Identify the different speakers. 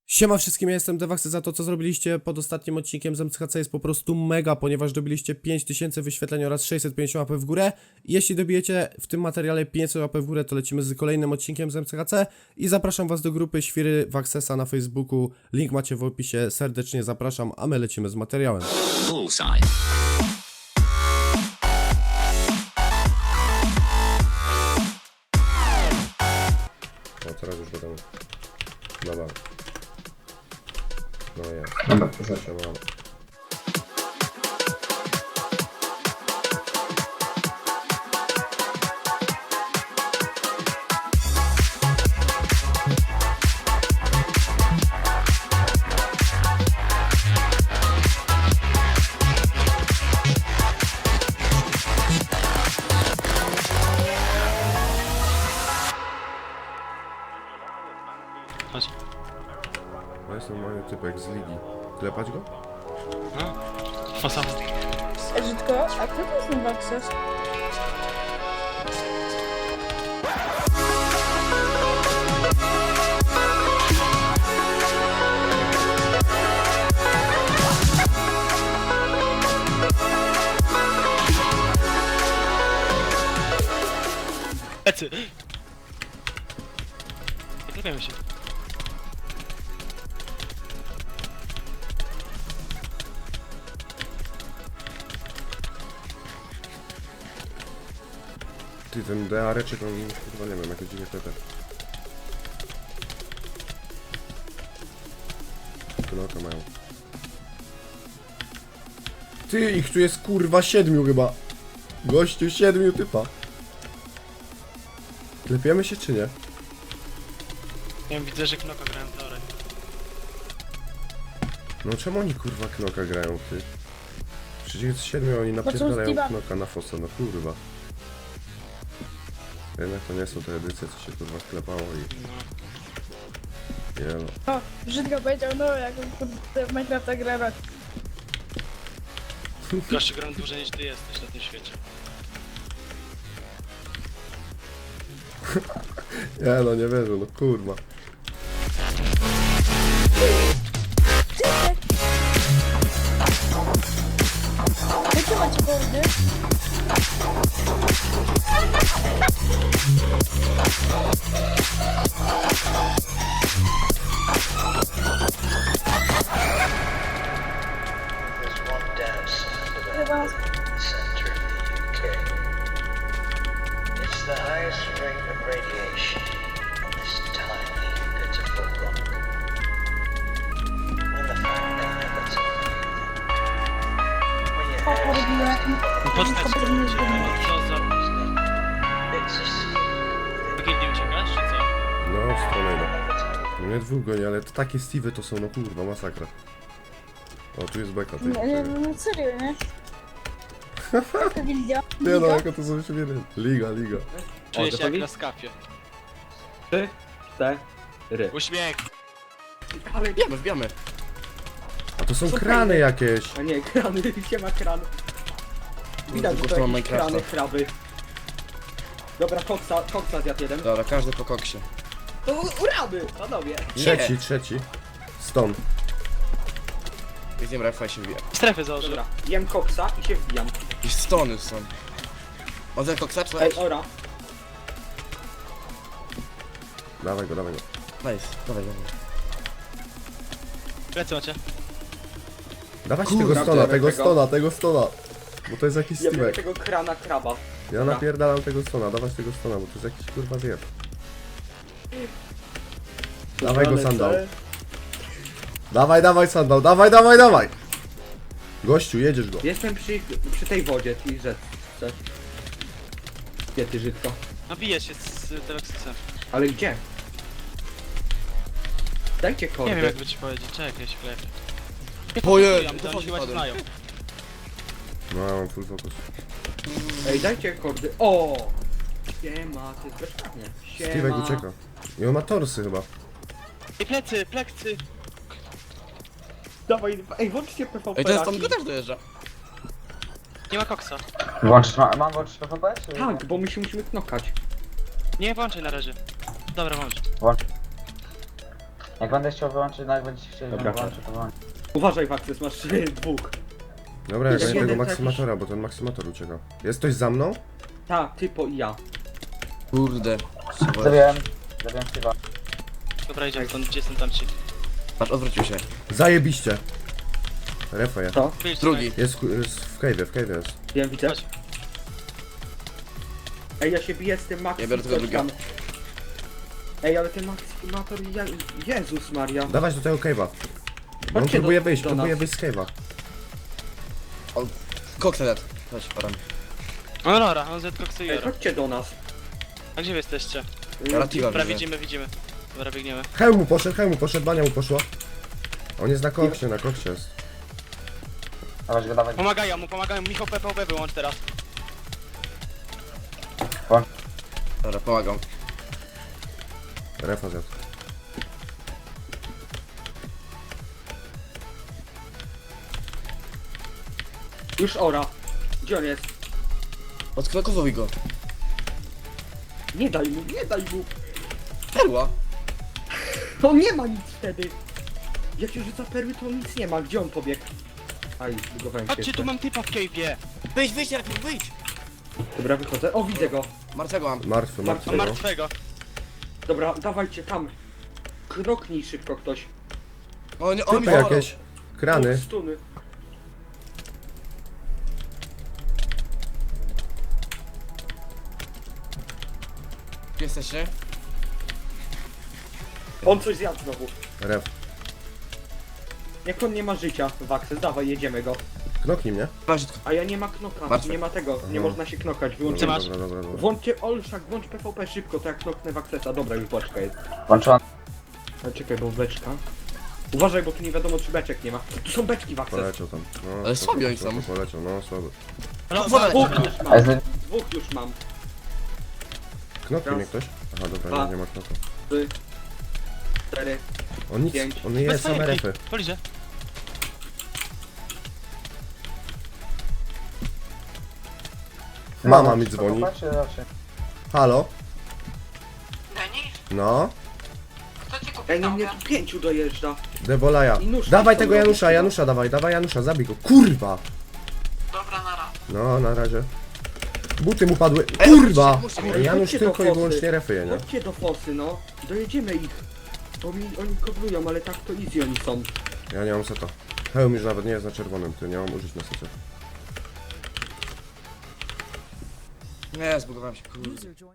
Speaker 1: Siema wszystkim, ja jestem Dewaxy. Za to, co zrobiliście pod ostatnim odcinkiem z MCHC jest po prostu mega, ponieważ dobiliście 5000 wyświetleń oraz 650 łapek w górę. Jeśli dobijecie w tym materiale 500 łapek w górę, to lecimy z kolejnym odcinkiem z MCHC i zapraszam was do grupy Świry Waxesa na Facebooku. Link macie w opisie, serdecznie zapraszam, a my lecimy z materiałem.
Speaker 2: Bullseye.
Speaker 1: O, teraz już wiadomo. Dobra. No jest.
Speaker 3: Dobra, to zaczął.
Speaker 2: Chodź.
Speaker 1: To jest normalny typek z ligi. Klepać go?
Speaker 2: No. Fasada.
Speaker 4: Żydko, a kto to jest ten Waxes?
Speaker 2: Lecy! Nie klepiamy się.
Speaker 1: Ty, ten DA-reczek, on chyba nie wiem, jakieś dziwne klepy. Knoka mają. Ty, ich tu jest kurwa 7 chyba. Gościu 7 typa. Klepiemy się czy nie?
Speaker 2: Nie wiem, widzę, że knoka grałem teorię.
Speaker 1: No czemu oni kurwa knoka grają, ty? Przecież jest 7, oni napierdalają
Speaker 4: Steve'a.
Speaker 1: knoka na fosa, no kurwa. Jednak to nie są te edycje, co się kurwa sklepało i... Jelo.
Speaker 4: O, Żydko powiedział, no jak on kurde w Minecrafta gra rok.
Speaker 2: Gościu, gram dłużej niż ty jesteś na tym świecie.
Speaker 1: Ja no nie wierzę, no kurwa.
Speaker 4: Jakie macie kordy?
Speaker 5: There's one dance center
Speaker 4: Chyba...
Speaker 5: of the UK. It's the highest rate of radiation on this tiny, pitiful rock. And the fact they never tell you that when your
Speaker 4: O,
Speaker 5: hair's
Speaker 4: porobiła.
Speaker 2: Postać
Speaker 4: Żydko
Speaker 2: cię,
Speaker 4: pewnie
Speaker 2: no co za...
Speaker 5: it's a secret.
Speaker 2: Do kiedy nie uciekasz, czy co?
Speaker 1: No, w stronę idę. No nie dwóch goni, ale to takie Steve'y to są, no kurwa, masakra. O, tu jest beka, ty.
Speaker 4: Nie, no serio, nie? Jaka gildia?
Speaker 1: Nie no,
Speaker 4: Liga?
Speaker 1: jako to są siebie. Liga.
Speaker 2: Czuję się jak na skapie.
Speaker 3: 3, 4.
Speaker 2: Uśmiech!
Speaker 3: Ale wbijamy.
Speaker 1: A to są krany jakieś.
Speaker 3: A nie, krany, gdzie ma kran? Widać, że to jakieś krany, kraby. Dobra, koksa zjadł jeden.
Speaker 6: Dobra, każdy po koksie.
Speaker 3: To uraby, panowie.
Speaker 1: Trzeci. Stąd.
Speaker 6: Widzimy, Rafał się wbija.
Speaker 2: Strefy założę.
Speaker 3: Dobra, jem koksa i się wbijam.
Speaker 6: I stony są. On za koksa czy
Speaker 3: Ej, ora.
Speaker 1: Dawaj go.
Speaker 6: Nice, dawaj.
Speaker 2: Plecy macie.
Speaker 1: Dawać
Speaker 3: Kurwa,
Speaker 1: tego stona. Bo to jest jakiś
Speaker 3: Ja biorę
Speaker 1: Steve'ek.
Speaker 3: tego krana kraba.
Speaker 1: Ja napierdalam tego stona, dawać tego stona, bo to jest jakiś kurwa zjeb. Dawaj go sandał. Dawaj sandał, dawaj! Gościu, jedziesz go.
Speaker 3: Jestem przy tej wodzie, tej rzeczce. Gdzie ty, Żydko?
Speaker 2: No bije się z Deluxem.
Speaker 3: Ale gdzie? Dajcie
Speaker 2: Nie
Speaker 3: kordy.
Speaker 2: wiem jakby ci powiedzieć, czekaj się klepię.
Speaker 6: Ojej,
Speaker 2: To oni chyba się znają.
Speaker 1: No, ja mam full focus.
Speaker 3: Ej, dajcie kordy. O! Siema, to jest bezprawnie.
Speaker 1: Steve'ek ucieka. I on ma torsy chyba.
Speaker 2: I plecy!
Speaker 3: Dawaj, ej, włączcie PvP.
Speaker 6: Ej, ten stąd go też dojeżdża.
Speaker 2: Nie ma koksa.
Speaker 7: Mam włączyć PvP? Czy...
Speaker 3: Tak, bo my się musimy knokać.
Speaker 2: Nie włączaj na razie. Dobra, włącz.
Speaker 7: Włącz. Jak będę chciał wyłączyć, no jak będziecie chcieli,
Speaker 3: Dobra.
Speaker 7: żebym wyłączył, to wyłączę.
Speaker 3: Uważaj, Waxes, masz dwóch.
Speaker 1: Dobra, ja
Speaker 3: Jest
Speaker 1: gonię tego
Speaker 3: jeden
Speaker 1: maksymatora, bo ten maksymator ucieka. Jest ktoś za mną?
Speaker 3: Ta, typo i ja.
Speaker 6: Kurde.
Speaker 7: Zabiłem Steve'a.
Speaker 2: Dobra, idziemy stąd, gdzie są tamci?
Speaker 6: Patrz, odwrócił się.
Speaker 1: Zajebiście. Refa je.
Speaker 3: To?
Speaker 2: Wyjdź
Speaker 6: Drugi.
Speaker 1: Jest w cave'ie jest.
Speaker 3: Wiem, widzę.
Speaker 2: Chodź.
Speaker 3: Ej, ja się biję z tym Maxi.
Speaker 6: Ja biorę tego
Speaker 3: coś
Speaker 6: drugiego.
Speaker 3: tam. Ej, ale ten Maximator, Jezus Maria.
Speaker 1: Dawać do tego cave'a. On
Speaker 3: Chodźcie
Speaker 1: próbuje
Speaker 3: do
Speaker 1: wyjść,
Speaker 3: nas.
Speaker 1: próbuje wyjść z cave'a.
Speaker 6: Koksa dead. Chodź, param.
Speaker 2: No dobra, on z Coxy
Speaker 3: Ej,
Speaker 2: Jero.
Speaker 3: chodźcie do nas.
Speaker 2: A gdzie wy jesteście?
Speaker 6: Relativa
Speaker 2: Dobra,
Speaker 6: widzę.
Speaker 2: widzimy. Dobra, biegniemy.
Speaker 1: Hełm mu poszedł, bania mu poszła. On jest na koksie jest.
Speaker 7: Dawać go, dawać.
Speaker 2: Pomagają mu. Michał PvP wyłącz teraz.
Speaker 6: Dobra, pomagam.
Speaker 1: Refa zjadł.
Speaker 3: Już ora. Gdzie on jest?
Speaker 6: Odknokowuj go.
Speaker 3: Nie daj mu, nie daj mu.
Speaker 6: Perła.
Speaker 3: To nie ma nic wtedy. Jak się rzuca perły, to nic nie ma. Gdzie on pobiegł? Aj, zbudowałem się
Speaker 2: Chodźcie,
Speaker 3: jeszcze.
Speaker 2: tu mam typa w cave'ie.
Speaker 6: Wyjdź, Jarek, wyjdź.
Speaker 3: Dobra, wychodzę. O, widzę go.
Speaker 6: Martwego mam.
Speaker 1: Martwy,
Speaker 2: Mam
Speaker 1: no.
Speaker 2: martwego.
Speaker 3: Dobra, dawajcie tam. Kroknij szybko ktoś.
Speaker 6: O, nie, on mi
Speaker 1: Typy
Speaker 6: zaorał.
Speaker 1: jakieś. Krany.
Speaker 3: Stuny.
Speaker 6: Gdzie jesteście?
Speaker 3: On coś zjadł znowu.
Speaker 1: Ref.
Speaker 3: Jak on nie ma życia, Waxes, dawaj, jedziemy go.
Speaker 1: Knoknij mnie.
Speaker 6: Masz,
Speaker 3: A ja nie ma knoka,
Speaker 6: Martwy.
Speaker 3: nie ma tego, nie
Speaker 1: Aha.
Speaker 3: można się knokać,
Speaker 2: Co
Speaker 3: wyłączymy.
Speaker 2: masz?
Speaker 1: Dobra.
Speaker 3: Włączcie Olszak, włącz PvP szybko, to jak knoknę Waxesa. Dobra, już beczka jest.
Speaker 7: Włączyłem.
Speaker 3: Ale czekaj, bo beczka. Uważaj, bo tu nie wiadomo czy beczek nie ma. Tu są beczki, Waxes.
Speaker 1: Poleciał tam. No,
Speaker 6: Ale
Speaker 1: spoko,
Speaker 6: słabi oni
Speaker 1: spoko,
Speaker 6: są.
Speaker 1: Poleciał, no słaby.
Speaker 3: Dwóch już
Speaker 7: A
Speaker 3: mam,
Speaker 7: jest
Speaker 3: dwóch już mam.
Speaker 1: Knoknij
Speaker 3: Raz.
Speaker 1: mnie ktoś? Aha, dobra,
Speaker 3: Dwa.
Speaker 1: nie ma knoka.
Speaker 3: 3, 4.
Speaker 1: On nic,
Speaker 3: Pięć.
Speaker 1: on nie jest same refy.
Speaker 2: Poliże.
Speaker 1: Mama mi dzwoni.
Speaker 7: Czy raczej?
Speaker 1: Halo?
Speaker 4: Denis,
Speaker 1: No?
Speaker 4: kto ci kupił
Speaker 3: Ej, no mnie
Speaker 4: nogę?
Speaker 3: tu 5 dojeżdża.
Speaker 1: Debolaja.
Speaker 3: I nóż
Speaker 1: Dawaj
Speaker 3: tam
Speaker 1: tego
Speaker 3: są
Speaker 1: Janusza,
Speaker 3: robić,
Speaker 1: Janusza dawaj Janusza, zabij go. Kurwa!
Speaker 4: Dobra, nara.
Speaker 1: No, na razie. Buty mu padły. Kurwa!
Speaker 6: muszę,
Speaker 3: muszę.
Speaker 1: Janusz
Speaker 3: Chodźcie do
Speaker 1: tylko i
Speaker 3: fosy.
Speaker 1: wyłącznie refuje, nie?
Speaker 3: Chodźcie do fosy, no. Dojedziemy ich. Bo oni koblują, ale tak to easy oni są.
Speaker 1: Ja nie mam seta. Hełm już nawet nie jest na czerwonym, ty nie mam użyć na secie.
Speaker 6: Nie, zbugowałem się, kurde.